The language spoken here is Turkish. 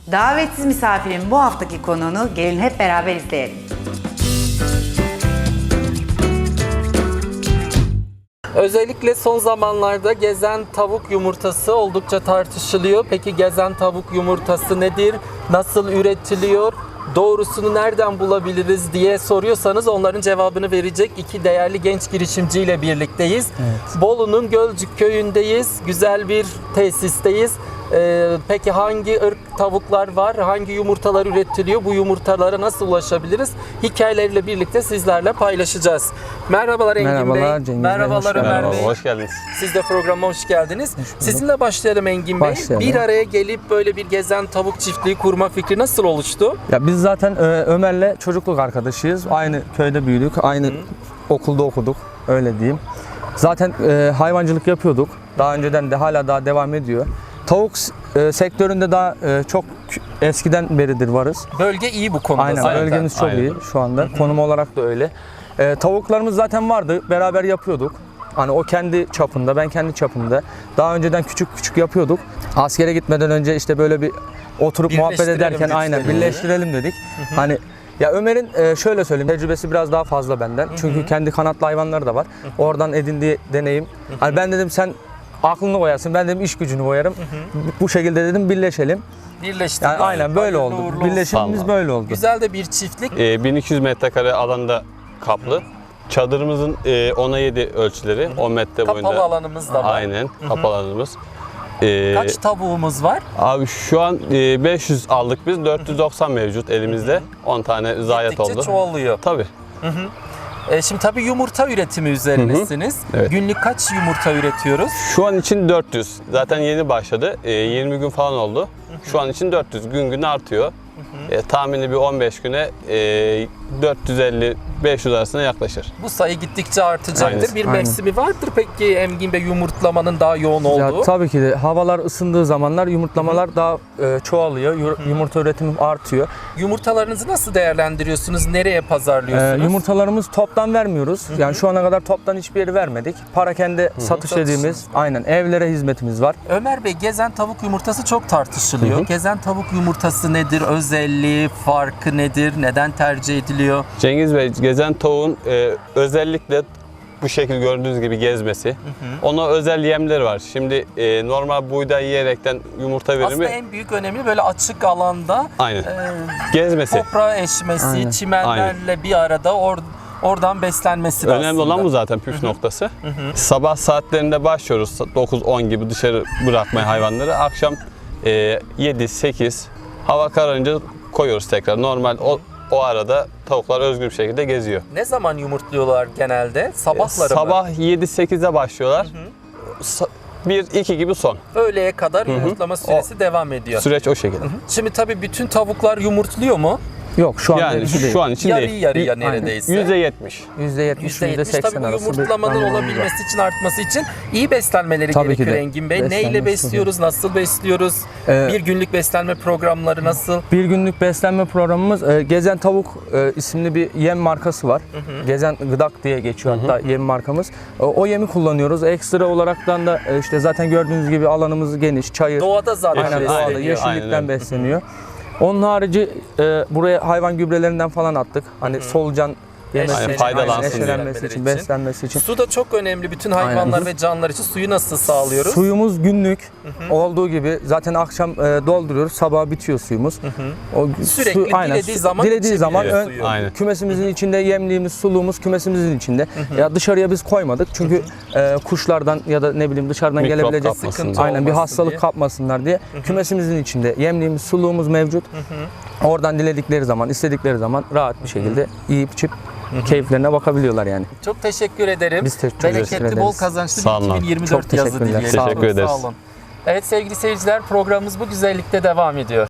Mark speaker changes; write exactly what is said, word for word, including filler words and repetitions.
Speaker 1: Davetsiz misafirin bu haftaki konuğunu gelin hep beraber izleyelim.
Speaker 2: Özellikle son zamanlarda gezen tavuk yumurtası oldukça tartışılıyor. Peki gezen tavuk yumurtası nedir? Nasıl üretiliyor? Doğrusunu nereden bulabiliriz diye soruyorsanız onların cevabını verecek iki değerli genç girişimciyle birlikteyiz. Evet. Bolu'nun Gölcük köyündeyiz. Güzel bir tesisteyiz. Ee, peki hangi ırk tavuklar var? Hangi yumurtalar üretiliyor? Bu yumurtalara nasıl ulaşabiliriz? Hikayeleriyle birlikte sizlerle paylaşacağız. Merhabalar Engin
Speaker 3: Merhabalar,
Speaker 2: Bey.
Speaker 3: Cengiz
Speaker 2: Merhabalar
Speaker 3: Bey, hoş
Speaker 2: Ömer
Speaker 3: geldiniz.
Speaker 2: Bey.
Speaker 4: Hoş geldiniz.
Speaker 2: Siz de programa hoş geldiniz. Hoş Sizinle başlayalım Engin Bey.
Speaker 3: Başlayalım.
Speaker 2: Bir araya gelip böyle bir gezen tavuk çiftliği kurma fikri nasıl oluştu?
Speaker 3: Ya biz zaten e, Ömer'le çocukluk arkadaşıyız. Aynı köyde büyüdük, aynı Hı. okulda okuduk, öyle diyeyim. Zaten e, hayvancılık yapıyorduk. Daha önceden de hala daha devam ediyor. Tavuk e, sektöründe daha e, çok eskiden beridir varız.
Speaker 2: Bölge iyi bu konuda
Speaker 3: Aynen,
Speaker 2: zaten.
Speaker 3: bölgemiz çok
Speaker 4: Aynen.
Speaker 3: iyi şu anda. Hı-hı. Konum olarak da öyle. E, tavuklarımız zaten vardı, beraber yapıyorduk. Hani o kendi çapında, ben kendi çapımda. Daha önceden küçük küçük yapıyorduk. Askere gitmeden önce işte böyle bir oturup muhabbet ederken aynen birleştirelim dedik. Hı-hı. Hani ya Ömer'in e, şöyle söyleyeyim, tecrübesi biraz daha fazla benden. Hı-hı. Çünkü kendi kanatlı hayvanları da var. Hı-hı. Oradan edindiği deneyim. Hı-hı. Hani ben dedim sen aklını koyarsın, ben dedim iş gücünü koyarım. Hı hı. Bu şekilde dedim birleşelim.
Speaker 2: Birleştik.
Speaker 3: Yani aynen böyle oldu. Birleşimimiz böyle oldu.
Speaker 2: Güzel de bir çiftlik.
Speaker 4: Ee, bin iki yüz metrekare alanda kaplı. Hı. Çadırımızın e, ona yedi ölçüleri, hı hı. on metre
Speaker 2: kapalı
Speaker 4: boyunca.
Speaker 2: Kapalı alanımız da var.
Speaker 4: Aynen,
Speaker 2: hı hı.
Speaker 4: kapalı alanımız. Ee,
Speaker 2: Kaç tavuğumuz var?
Speaker 4: Abi şu an e, beş yüz aldık biz, dört yüz doksan mevcut elimizde. Hı hı. on tane zayiat oldu.
Speaker 2: Gittikçe çoğalıyor.
Speaker 4: Tabii.
Speaker 2: Hı hı. E şimdi tabii yumurta üretimi üzerinesiniz. Hı hı. Evet. Günlük kaç yumurta üretiyoruz?
Speaker 4: Şu an için dört yüz. Zaten yeni başladı. E, yirmi gün falan oldu. Hı hı. Şu an için dört yüz. Gün gün artıyor. Hı hı. E, tahmini bir on beş güne e, dört yüz elli beş yüz arasında yaklaşır.
Speaker 2: Bu sayı gittikçe artacaktır.
Speaker 4: Aynen.
Speaker 2: Bir
Speaker 3: Aynen.
Speaker 2: mevsimi vardır peki Engin Bey yumurtlamanın daha yoğun olduğu?
Speaker 3: Ya, tabii ki de havalar ısındığı zamanlar yumurtlamalar Hı-hı. daha e, çoğalıyor. Hı-hı. Yumurta üretimi artıyor.
Speaker 2: Yumurtalarınızı nasıl değerlendiriyorsunuz? Nereye pazarlıyorsunuz?
Speaker 3: E, yumurtalarımız toptan vermiyoruz. Hı-hı. Yani şu ana kadar toptan hiçbir yere vermedik. Parakende Hı-hı. satış Satışınız dediğimiz var. Aynen evlere hizmetimiz var.
Speaker 2: Ömer Bey, gezen tavuk yumurtası çok tartışılıyor. Hı-hı. Gezen tavuk yumurtası nedir? Özelliği, farkı nedir? Neden tercih ediliyor?
Speaker 4: Cengiz Bey, gezen tavuğun e, özellikle bu şekil gördüğünüz gibi gezmesi. Hı hı. Ona özel yemleri var. Şimdi e, normal buğday yiyerekten yumurta verimi.
Speaker 2: Aslında en büyük önemi böyle açık alanda
Speaker 4: Aynen.
Speaker 2: E,
Speaker 4: gezmesi.
Speaker 2: Toprağa eşmesi, Aynen. çimenlerle Aynen. bir arada or, oradan beslenmesi.
Speaker 4: Önemli
Speaker 2: aslında.
Speaker 4: olan bu zaten püf hı hı. noktası. Hı hı. Sabah saatlerinde başlıyoruz dokuz on gibi dışarı bırakmaya hayvanları. Akşam e, yedi sekiz hava kararınca koyuyoruz tekrar. Normal o O arada tavuklar özgür bir şekilde geziyor.
Speaker 2: Ne zaman yumurtluyorlar genelde? Sabahları
Speaker 4: Sabah
Speaker 2: mı?
Speaker 4: yedi sekize başlıyorlar. Hı hı. bir iki gibi son.
Speaker 2: Öğleye kadar
Speaker 4: Hı hı.
Speaker 2: yumurtlama süresi o, devam ediyor.
Speaker 4: Süreç o şekilde. Hı hı.
Speaker 2: Şimdi tabii bütün tavuklar yumurtluyor mu?
Speaker 3: Yok şu an
Speaker 4: yani
Speaker 3: değil.
Speaker 4: şu an için
Speaker 2: yarı
Speaker 4: değil.
Speaker 2: yarıya neredeyse.
Speaker 4: yüzde yetmiş.
Speaker 3: yüzde yetmiş, yüzde seksen
Speaker 2: tabii
Speaker 3: arası.
Speaker 2: bu yumurtlamanın olabilmesi için, artması için iyi beslenmeleri
Speaker 3: tabii
Speaker 2: gerekiyor Engin Bey. Neyle besliyoruz, nasıl besliyoruz? Ee, bir günlük beslenme programları nasıl?
Speaker 3: Bir günlük beslenme programımız e, Gezen Tavuk e, isimli bir yem markası var. Hı hı. Gezen Gıdak diye geçiyor hatta hı hı. yem markamız. E, o yemi kullanıyoruz. Ekstra olaraktan da e, işte zaten gördüğünüz gibi alanımız geniş, çayır.
Speaker 2: Doğada zaten
Speaker 3: Aynen,
Speaker 2: besleniyor.
Speaker 3: doğada, yeşillikten besleniyor. Onun harici e, buraya hayvan gübrelerinden falan attık. Hani Hı-hı. solucan yemesi
Speaker 4: Aynen,
Speaker 3: için,
Speaker 4: faydalansın
Speaker 3: eşelenmesi
Speaker 2: için,
Speaker 3: için, beslenmesi için.
Speaker 2: Su da çok önemli. Bütün hayvanlar Aynen. ve canlılar için suyu nasıl sağlıyoruz?
Speaker 3: Suyumuz günlük Hı-hı. olduğu gibi zaten akşam e, dolduruyoruz. Sabah bitiyor suyumuz.
Speaker 2: O, Sürekli su, aynen, dilediği zaman
Speaker 3: dilediği zaman ön,
Speaker 4: aynen.
Speaker 3: kümesimizin Hı-hı. içinde yemliğimiz, suluğumuz kümesimizin içinde. Hı-hı. Ya dışarıya biz koymadık. Çünkü e, kuşlardan ya da ne bileyim dışarıdan
Speaker 4: Mikrop
Speaker 3: gelebilecek
Speaker 4: sıkıntı
Speaker 3: aynen bir hastalık
Speaker 2: diye.
Speaker 3: kapmasınlar diye Hı-hı. kümesimizin içinde yemliğimiz, suluğumuz mevcut. Hı-hı. Oradan diledikleri zaman, istedikleri zaman rahat bir şekilde Hı-hı. yiyip içip Hı-hı. keyiflerine bakabiliyorlar yani.
Speaker 2: Çok teşekkür ederim.
Speaker 3: Biz teşekkür
Speaker 2: ederiz. Bereketli, bol kazançlı bir iki bin yirmi dört yazı dileyelim.
Speaker 4: Teşekkür ederiz.
Speaker 2: Sağ olun. Evet sevgili seyirciler, programımız bu güzellikte devam ediyor.